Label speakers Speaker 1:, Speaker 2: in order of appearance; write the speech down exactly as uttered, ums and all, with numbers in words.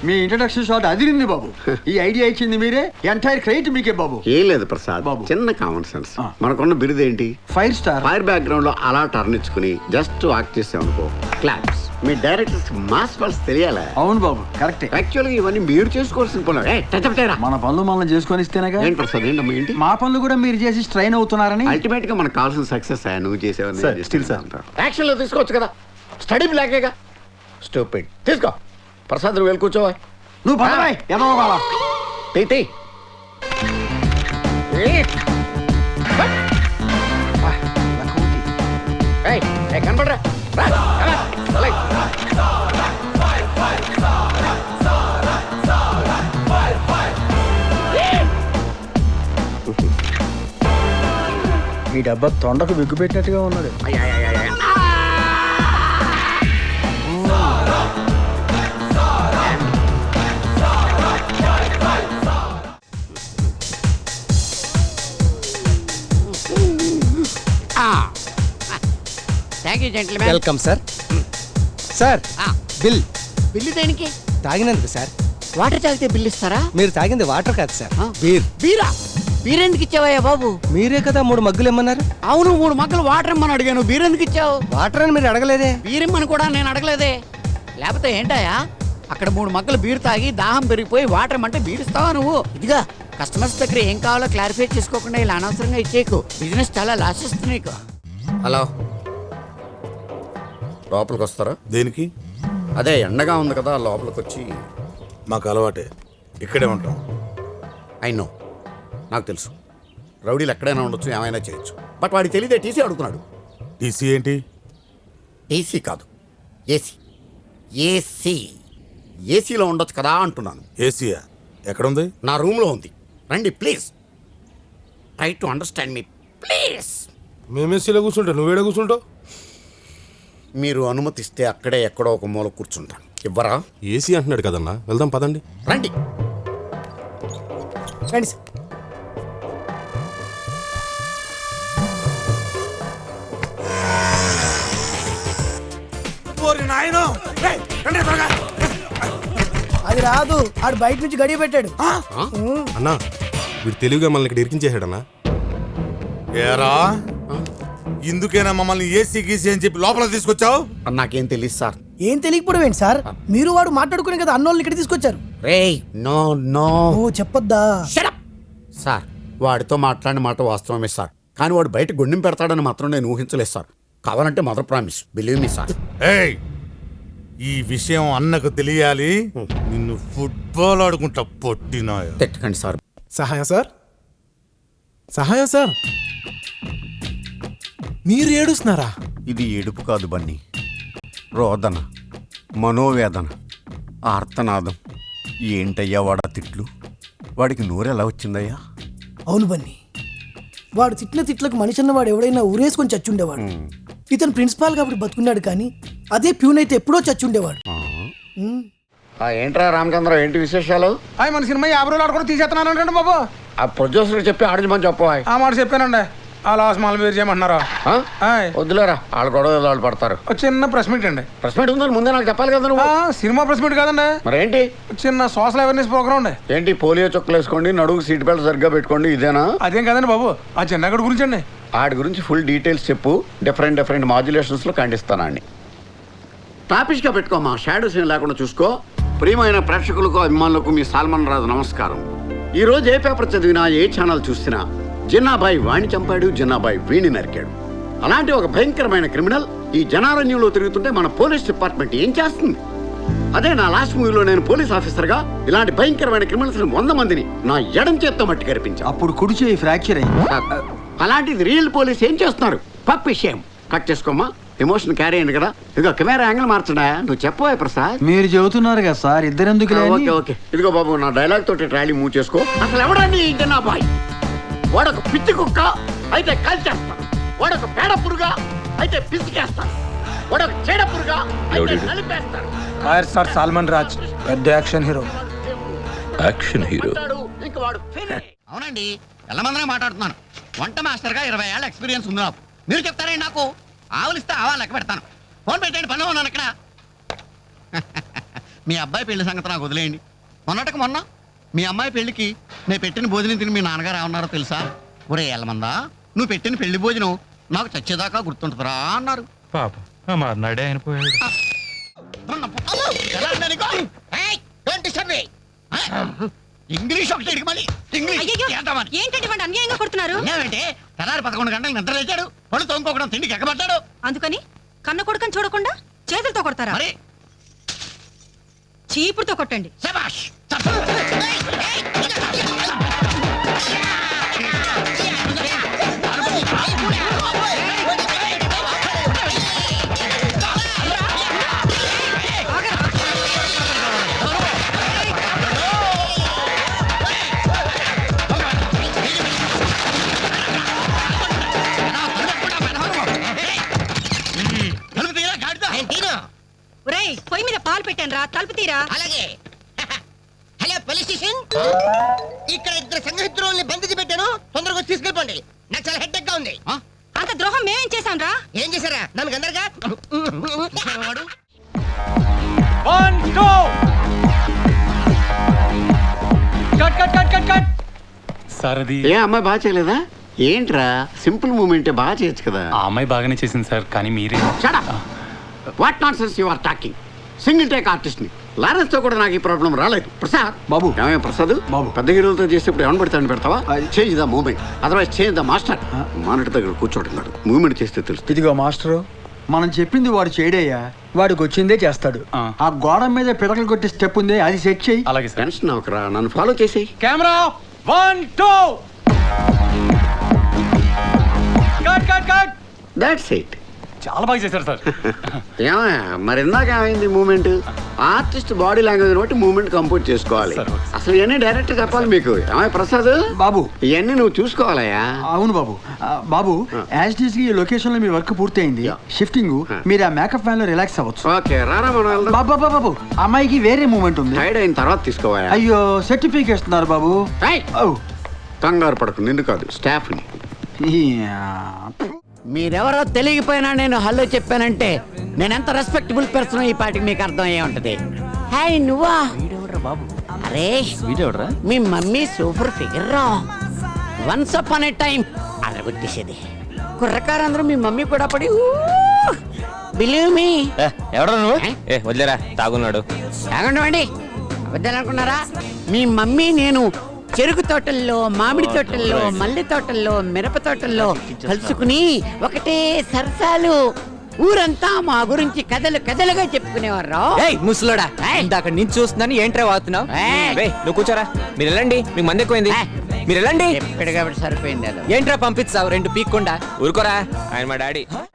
Speaker 1: మీ introduction shot అదిరింది బాబు. ఈ idea ఇచ్చింది మీరే, ఎంటైర్ క్రెడిట్ మీకే బాబు.
Speaker 2: ఏం లేదు ప్రసాద్ బాబు, చిన్న కామన్ సెన్స్. మనకున్న బిరుదు ఏంటి?
Speaker 1: Five star.
Speaker 2: ఫైర్ బ్యాక్గ్రౌండ్ లో అలా టర్న్ ఇచ్చుకుని జస్ట్ వాక్ చేసామనుకో, క్లాప్స్. మీ డైరెక్టర్స్ మాస్ పల్స్ తెలియాలా?
Speaker 1: అవును బాబు, కరెక్టే.
Speaker 2: యాక్చువల్ గా ఇవన్నీ మీరు చేసుకోవాల్సిన పనులు.
Speaker 1: మన పనులు మనం చేసుకొని ఇస్తేనేగా.
Speaker 2: ఏంటి ప్రసాద్, ఏంటమ్మా ఏంటి?
Speaker 1: మా పనులు కూడా మీరు చేసి స్ట్రైన్ అవుతున్నారని.
Speaker 2: అల్టిమేట్ గా మనకు కావాల్సిన సక్సెస్ నువ్వు చేసేవని
Speaker 3: స్టిల్ సార్
Speaker 2: యాక్షన్ లో తీసుకోవచ్చు కదా, స్టడీ బ్లాకేగా. స్టూపిడ్. తీసుకో ప్రసాద్, నువ్వు వెళ్ళి కూర్చోవా.
Speaker 1: నువ్వు పడవాయి ఏదో కావాలా
Speaker 2: తీ కనపడరా.
Speaker 1: ఈ డబ్బా తొండకు బిగ్గు పెట్టినట్టుగా ఉన్నది.
Speaker 4: Welcome sir. Sir bill.
Speaker 5: Bill దేనికి?
Speaker 4: తాగినందుకు సార్.
Speaker 5: వాటర్ తాగితే బిల్లు ఇస్తారా?
Speaker 4: మీరు తాగింది వాటర్ కాదు సార్, బీర్.
Speaker 5: బీరా? బీర్ ఎందుకు ఇచ్చావయ్యా బాబు?
Speaker 4: మీరే కదా మూడు మగ్గులు ఇమ్మన్నారు.
Speaker 5: అవును, మూడు మగ్గులు వాటర్ ఇమ్మని అడిగాను. బీర్ ఎందుకు ఇచ్చావు?
Speaker 4: వాటర్ అని మీరు అడగలేదే.
Speaker 5: బీర్ ఇమ్మని కూడా నేను అడగలేదే. లేకపోతే ఏంటయ్యా, అక్కడ మూడు మగ్గులు బీర్ తాగి దాహం పెరిగిపోయి వాటర్ ఇమ్మంటే బీర్ ఇస్తావా నువ్వు? ఇదిగా కస్టమర్స్ దగ్గర ఏం కావాలో క్లారిఫై చేసుకోకుండా ఇలా అనవసరంగా ఇచ్చేకు. బిజినెస్ చాలా లాస్ వస్తుంది నీకు.
Speaker 2: హలో, లోపలికి వస్తారా?
Speaker 3: దేనికి?
Speaker 2: అదే ఎండగా ఉంది కదా, లోపలికి వచ్చి.
Speaker 3: మాకు అలవాటే, ఇక్కడే ఉంటాం.
Speaker 2: ఐ నో, నాకు తెలుసు. రౌడీలు ఎక్కడైనా ఉండొచ్చు, ఏమైనా చేయొచ్చు. బట్ వాడికి తెలియదే టీసీ అడుగుతున్నాడు.
Speaker 3: టీసీ ఏంటి?
Speaker 2: టీసీ కాదు, ఏసీ. ఏసీ ఏసీలో ఉండొచ్చు కదా అంటున్నాను.
Speaker 3: ఏసీయా? ఎక్కడుంది?
Speaker 2: నా రూమ్లో ఉంది. రండి please, try to understand me please.
Speaker 3: మేము ఏసీలో కూర్చుంటాం, నువ్వేడ కూర్చుంటావు?
Speaker 2: మీరు అనుమతిస్తే అక్కడే ఎక్కడో ఒక మూల కూర్చుంటాను. ఇవ్వరా?
Speaker 3: ఏసీ అంటున్నాడు కదన్నా, వెళ్దాం పదండి.
Speaker 2: రండి
Speaker 4: రండి సార్.
Speaker 6: అది రాదు, ఆడు బయట నుంచి గడియ పెట్టాడు.
Speaker 3: అన్నా వీడు తెలివిగా మనల్ని ఇక్కడ ఇరికించేసాడన్నా. ఏరా, ఇందుకేనా మమ్మల్ని ఏసీ గీసీ అని చెప్పి లోపల తీసుకొచ్చావు?
Speaker 2: నాకేం తెలియదు సార్.
Speaker 6: ఏం తెలియకపోవడం ఏంటి సార్? మీరు వాడు మాట్లాడుకునే కదా అన్నోళ్ళని ఇక్కడ తీసుకొచ్చారు.
Speaker 2: రేయ్ నో నో
Speaker 6: ఓ చెప్పొద్దా?
Speaker 2: సార్, వాడితో మాట్లాడిన మాట వాస్తవమే సార్, కానీ వాడు బయట గుండెం పెడతాడని మాత్రం నేను ఊహించలేదు సార్. కావాలంటే mother promise, believe me sir.
Speaker 3: ఏయ్, ఈ విషయం అన్నకు తెలియాలి. నిన్ను ఫుట్బాల్ ఆడుకుంటా పొట్టినా.
Speaker 2: తిట్టకండి సార్.
Speaker 7: సహాయం సార్, సహాయం సార్. మీరు ఏడుస్తున్నారా?
Speaker 2: ఇది ఏడుపు కాదు బన్నీ, రోదన, మనోవేదన, ఆర్తనాదం. ఏంటయ్యా వాడా తిట్లు? వాడికి నోరెలా వచ్చిందయ్యా?
Speaker 6: అవును బన్నీ, వాడు తిట్టిన తిట్లకు మనిషి అన్నవాడు ఎవడైనా ఊరేసుకొని చచ్చుండేవాడు. ఇతను ప్రిన్సిపాల్ కాబట్టి బతుకున్నాడు, కానీ అదే ప్యూన్ అయితే ఎప్పుడో చచ్చుండేవాడు.
Speaker 2: ఏంట్రా రామచంద్ర, ఏంటి విశేషాలు?
Speaker 1: మన సినిమా యాభై రోజులు ఆడుకుని తీసేస్తున్నాను అంటే బాబు.
Speaker 2: ఆ ప్రొడ్యూసర్ చెప్పి ఆడించమని చెప్పవా?
Speaker 1: ఆ మాట చెప్పానండి. ఆ లాస్ మాల్ మీరు చేయమంటున్నారా?
Speaker 2: వద్దులేరా, వాళ్ళు గొడవ వాళ్ళు పడతారు.
Speaker 1: చిన్న ప్రెస్ మీట్ అండి.
Speaker 2: ప్రెస్ మీట్ ఉందని ముందే నాకు చెప్పాలి కదా నువ్వు.
Speaker 1: సినిమా ప్రెస్ మీట్ కాదండి.
Speaker 2: మరేంటి?
Speaker 1: చిన్న సోషల్ అవేర్నెస్ ప్రోగ్రామ్ అండి.
Speaker 2: ఏంటి? పోలియో చుక్కలు వేసుకోండి, నడుగు సీట్ బెల్ట్ సరిగ్గా పెట్టుకోండి, ఇదేనా?
Speaker 1: అదేం కదండి బాబు, ఆ చిన్నగడి గురించి అండి.
Speaker 2: ఆడి గురించి ఫుల్ డీటెయిల్స్ చెప్పు. డిఫరెంట్ డిఫరెంట్ మాడ్యులేషన్స్ లో ఖండిస్తానండి. టాపిక్గా పెట్టుకోమా, షాడోస్ ఏం లేకుండా చూసుకో. ప్రియమైన ప్రేక్షకులకు, అభిమానులకు మీ సాల్మన్ రాజు నమస్కారం. ఈ రోజు ఏ పేపర్ చదివినా, ఏ ఛానల్ చూసినా జిన్నాబాయి వాణ్ణి చంపాడు, జిన్నాబాయి వీణి నరికాడు. అలాంటి ఒక భయంకరమైన క్రిమినల్ ఈ జనారణ్యంలో తిరుగుతుంటే మన పోలీస్ డిపార్ట్మెంట్ ఏం చేస్తుంది? అదే నా లాస్ట్ మూవీలో నేను పోలీస్ ఆఫీసర్గా ఇలాంటి భయంకరమైన క్రిమినల్స్ వంద మందిని నా ఎడం చేత్తో మట్టి కనిపించాను.
Speaker 1: అప్పుడు కుడి చేయి ఫ్రాక్చర్ అయింది.
Speaker 2: అలాంటిది రియల్ పోలీస్ ఏం చేస్తున్నారు? పప్పు విషయం కట్ చేసుకోమా, ఎమోషన్ క్యారీ అయింది కదా. ఇదిగో కెమెరా యాంగిల్ మార్చడా, నువ్వు చెప్పవా ప్రసాద్?
Speaker 1: మీరు చెబుతున్నారు కదా సార్, ఇద్దరెందుకు?
Speaker 2: ఓకే ఓకే, ఇదిగో బాబు నా డైలాగ్ తోటి ట్రాలీ మూవ్ చేసుకో. అసలు ఎవడండి ఈ జనాబాయ్? వాడొక పిచ్చి కుక్క అయితే కాల్చేస్తాను, వాడొక పేడ పురుగా అయితే పిసికేస్తాను, వాడొక చెడ పురుగా అయితే నలిపేస్తాను.
Speaker 1: సార్ సాల్మన్ రాజ్ పెద్ద యాక్షన్ హీరో.
Speaker 8: యాక్షన్ హీరో
Speaker 2: ఇంకా వాడు అవునండి. ఎల్లమందరే మాట్లాడుతున్నాను. వంట మాస్టర్ గా ఇరవై ఏళ్ళ ఎక్స్పీరియన్స్ ఉంది నాకు. మీరు చెప్తారండి నాకు? ఆవులిస్తే ఆవా లెక్క పెడతాను. ఫోన్ పెట్టండి, పని ఉన్నాను ఇక్కడ. మీ అబ్బాయి పెళ్లి సంగతి నాకు వదిలేయండి. మొన్నటికి మొన్న మీ అమ్మాయి పెళ్లికి నేను పెట్టిన భోజనం తిని మీ నాన్నగారు ఏమన్నారో తెలుసా? ఒరే ఎల్లమందా, నువ్వు పెట్టిన పెళ్లి భోజనం నాకు చచ్చేదాకా గుర్తుంటుందిరా అన్నారు.
Speaker 8: పాప మర్నాడే ఆయన పోయాడు.
Speaker 2: ఇంగ్లీష్ ఒకటి ఇడికి మళ్ళీ ఇంగ్లీష్
Speaker 9: ఏంటంటే వాడు అన్యాయంగా కొడుతున్నారు
Speaker 2: ఏమంటే తెల్లారి పదకొండు గంటలకు నిద్ర లేచాడు, పళ్ళు తోముకోకడం తిండికి ఎక్కబడ్డాడు.
Speaker 9: అందుకని కన్న కొడుకని చూడకుండా చేతులతో కొడతారా?
Speaker 2: మరి
Speaker 9: చీపుడుతో కొట్టండి.
Speaker 2: శభాష్.
Speaker 9: ఒరేయ్, పొయ్యి మీద పాలు పెట్టాను రా, తలుపు తీరా.
Speaker 10: అలాగే. హలో పోలీస్ స్టేషన్, ఇక్కడ ఇద్దరు సంఘహితుల్ని బంధించి పెట్టాను, తొందరగా వచ్చి తీసుకెళ్ళిపోండి. నాకు చాలా హెడ్ గా ఉంది.
Speaker 9: అంత ద్రోహం మేమేం చేశాం రా?
Speaker 10: ఏం చేశారా? నన్ను గందరగా
Speaker 11: సార్ అది
Speaker 2: ఏ అమ్మాయి బాగా చేయలేదా? ఏంట్రా సింపుల్ మూమెంటే బాగా చేయొచ్చు కదా.
Speaker 11: ఆ అమ్మాయి బాగానే చేసింది సార్, కానీ మీరే
Speaker 2: what not sense you are talking. Single take artist ని లారెన్స్ తో కూడా నాకు ఈ ప్రాబ్లం రాలేదు. ప్రసాద్
Speaker 1: బాబు.
Speaker 2: ఏమయ్య ప్రసాద్
Speaker 1: బాబు.
Speaker 2: పెద్ద హీరోలతో చేసేప్పుడు ఏమని పెడతాను పెడతావా? Change the moment, otherwise change the master. Monitor దగ్గర కూర్చోవడం కాదు, మూమెంట్ చేస్తే తెలుస్తుంది.
Speaker 1: ఇదిగో మాస్టరు, మనం చెప్పింది వాడు చేయడయ్యా, వాడికి వచ్చిందే చేస్తాడు.
Speaker 11: ఆ.
Speaker 1: ఆ గోడ మీద పిడకలు కొట్టే స్టెప్ ఉంది, అది సెట్ చేయి.
Speaker 11: అలాగే సార్.
Speaker 2: టెన్షన్ అవకరా, నన్ను ఫాలో చేసేయి.
Speaker 4: Camera one two cut cut cut.
Speaker 2: That's it.
Speaker 11: చాలా బాగా చేశారు సార్.
Speaker 2: ఏమయ్య మరి ఇందాక ఏమైంది మూమెంట్? ఆర్టిస్ట్ బాడీ లాంగ్వేజ్ బట్టి మూమెంట్ కంపోజ్ చేసుకోవాలి.
Speaker 11: సరే, ఓకే.
Speaker 2: అసలు ఇవన్నీ డైరెక్ట్ చెప్పాలి మీకు. ఏమయ్య ప్రసాద్
Speaker 1: బాబు.
Speaker 2: ఇవన్నీ నువ్వు చూసుకోవాలయ్యా.
Speaker 1: అవును బాబు. ఆ, బాబు యాజ్ డీస్ ఈ లొకేషన్ లో మీ వర్క్ పూర్తయింది. షిఫ్టింగ్ మీరు ఆ మేకప్ ఫ్యాన్ లో రిలాక్స్ అవ్వచ్చు.
Speaker 2: ఓకే రారా మనం వెళ్దాం.
Speaker 1: బాబా బాబు బాబు అమ్మాయికి వేరే మూమెంట్ ఉంది.
Speaker 2: టైడ్ అయిన తర్వాత తీసుకోవాలా?
Speaker 1: అయ్యో సర్టిఫికేట్ ఇస్తున్నారు బాబు.
Speaker 2: ఏయ్!
Speaker 1: ఓ.
Speaker 2: కంగారు పడకు, నిన్ను కాదు స్టాఫ్ ని.
Speaker 1: యా.
Speaker 5: మీరెవరో తెలియకపోయినా నేను హలో చెప్పానంటే నేను ఎంత రెస్పెక్టబుల్ పర్సన్ ఈ పాటికి మీకు అర్థం అయ్యే ఉంటది. హాయ్ నువ్వా? అరే మీ మమ్మీ సూపర్ ఫిగర్ రా. Once upon a time అరగొట్టేసేది. కుర్రకారందరూ మీ మమ్మీ కూడా పడి బిలీవ్ మీ.
Speaker 4: ఎవడరా నువ్వు? ఏ వదిలేరా, తాగున్నాడు.
Speaker 5: తాగండి వద్దాలనుకున్నారా? మీ మమ్మీ నేను చెరుకు తోటల్లో, మామిడి తోటల్లో, మల్లె తోటల్లో, మిరప తోటల్లో కలుసుకుని ఒకటే సరసాలు. ఊరంతా మా గురించి కథలు కథలుగా చెప్పుకునేవారు.
Speaker 4: ముసలోడా, ఇందాక నుంచి చూస్తున్నాను, ఏంట్రా వాడుతున్నావు? నువ్వు కూర్చోరా, మీరు వెళ్ళండి, మీకు మంది ఎక్కువైంది, మీరు వెళ్ళండి.
Speaker 5: ఎప్పటికప్పుడు సరిపోయింది.
Speaker 4: ఏంట్రా పంపిస్తావు రెండు పీక్కుండా? ఊరుకోరా, ఆయన మా డాడీ.